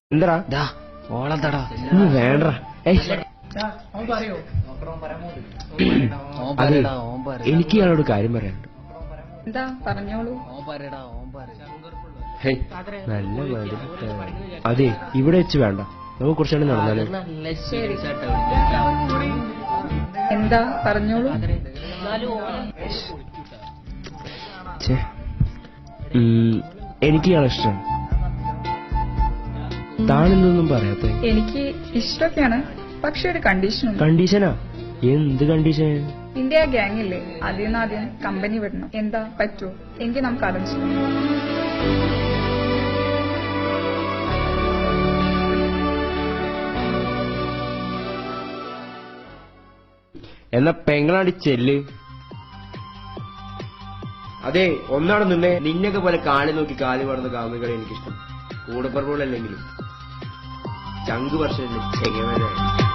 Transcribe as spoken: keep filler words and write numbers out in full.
എന്താ ഓളെന്താടാ വേണ്ട അതെ എനിക്ക് ഇയാളോട് കാര്യം പറയാനുണ്ട്. എന്താ പറഞ്ഞോളൂ. ഹേയ് നല്ല മതി. അതെ ഇവിടെ വെച്ച് വേണ്ട, നമുക്ക് കുറച്ചുകൂടി നടന്നാലോ? എന്താ പറഞ്ഞോളൂ. എനിക്ക് ഇയാളെ ഇഷ്ടമാണ്. താനെന്തൊന്നും പറയാത്ത? എനിക്ക് ഇഷ്ടമൊക്കെയാണ്, പക്ഷെ ഒരു കണ്ടീഷൻ. കണ്ടീഷനാ? എന്ത് കണ്ടീഷൻ? ഇന്ത്യ ഗ്യാങ് ഇല്ലേ, അതിൽ നിന്ന് ആദ്യം കമ്പനി വിടണം. എന്താ പറ്റൂ? എങ്കിൽ നമുക്ക് ആലോചിച്ചു. എന്നാ പെങ്ങളാടി ചെല്ല്. അതെ ഒന്നാണ് നിന്നെ നിന്നൊക്കെ പോലെ കാലി നോക്കി കാലി പടന്ന് കാമുകളെ എനിക്കിഷ്ടം. കൂടപ്പറമ്പുകളല്ലെങ്കിലും ചങ്ക് വർഷം ചെങ്ങമേനായി.